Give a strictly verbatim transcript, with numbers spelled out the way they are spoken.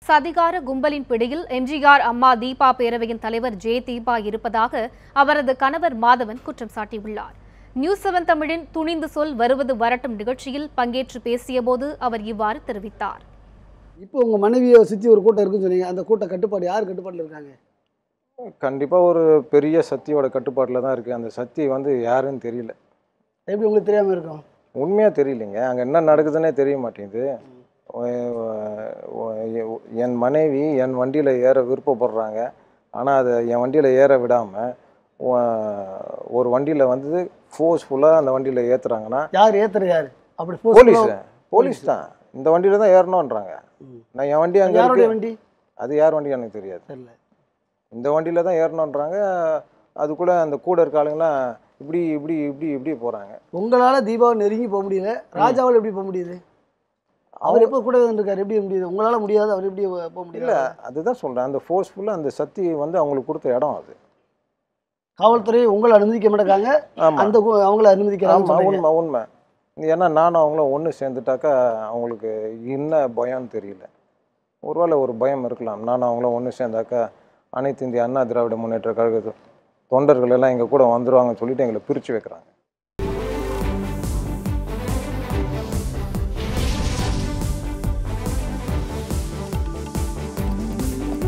சதிகார கும்பலின் பிடியில் எம்ஜிஆர் அம்மா தீபா பேரவையின் தலைவர் ஜே தீபா இருப்பதாக அவரது கணவர் மாதவன் குற்றம் சாட்டியுள்ளார். நியூஸ் செவன் தமிழின் துணிந்து சொல் வருவது வரட்டும் நிகழ்ச்சியில் பங்கேற்று பேசியபோது அவர் இவ்வாறு தெரிவித்தார். இப்போ உங்க மனைவியை சுற்றி ஒரு கூட்டம் இருக்குன்னு சொன்னீங்க. அந்த கூட்ட கட்டுப்பாடு யார் கட்டுப்பாட்டில் இருக்காங்க? கண்டிப்பாக ஒரு பெரிய சக்தியோட கட்டுப்பாட்டில் தான் இருக்குது. அந்த சக்தி வந்து யாருன்னு தெரியல. எப்படி உங்களுக்கு தெரியாமல் இருக்கும்? உண்மையாக தெரியலைங்க. அங்கே என்ன நடக்குதுன்னே தெரிய மாட்டேங்குது. என் மனைவி என் வண்டியில் ஏற விருப்பப்படுறாங்க. ஆனால் அதை என் வண்டியில் ஏற விடாமல் ஒரு வண்டியில் வந்து ஃபோர்ஸ்ஃபுல்லாக அந்த வண்டியில் ஏற்றுறாங்கன்னா யார் ஏற்றுற யார்? அப்படி போலீஸ் போலீஸ் தான் இந்த வண்டியில் தான் ஏறணுன்றாங்க. நான் என் வண்டி அங்கே யாருடைய வண்டி? அது யார் வண்டி எனக்கு தெரியாது. தெரியல. இந்த வண்டியில் தான் ஏறணுன்றாங்க. அதுக்குள்ளே அந்த கூட இருக்க ஆளுங்களாம் இப்படி இப்படி இப்படி இப்படி போகிறாங்க. உங்களால் தீபாவை நெருங்கி போக முடியல, ராஜாவால் எப்படி போக முடியுது? அவர் எப்போ கூட இருக்கார், எப்படி முடியுது? உங்களால் முடியாது, அவர் எப்படி போக முடியல? இல்லை, அதுதான் சொல்கிறேன். அந்த ஃபோர்ஸ்ஃபுல்லாக அந்த சக்தி வந்து அவங்களுக்கு கொடுத்த இடம் அது. காவல்துறை உங்களை அனுமதிக்க மாட்டாங்க, அந்த அவங்கள அனுமதிக்கிறாங்க. உண்மை உண்மை. ஏன்னா நானும் அவங்களும் ஒன்று சேர்ந்துட்டாக்கா அவங்களுக்கு என்ன பயம்னு தெரியல. ஒருவேளை ஒரு பயம் இருக்கலாம். நானும் அவங்களும் ஒன்று சேர்ந்தாக்கா அனைத்து இந்திய அண்ணா திராவிட முன்னேற்ற கழக தொண்டர்கள் எல்லாம் எங்கள் கூட வந்துடுவாங்கன்னு சொல்லிட்டு எங்களை பிரித்து வைக்கிறாங்க.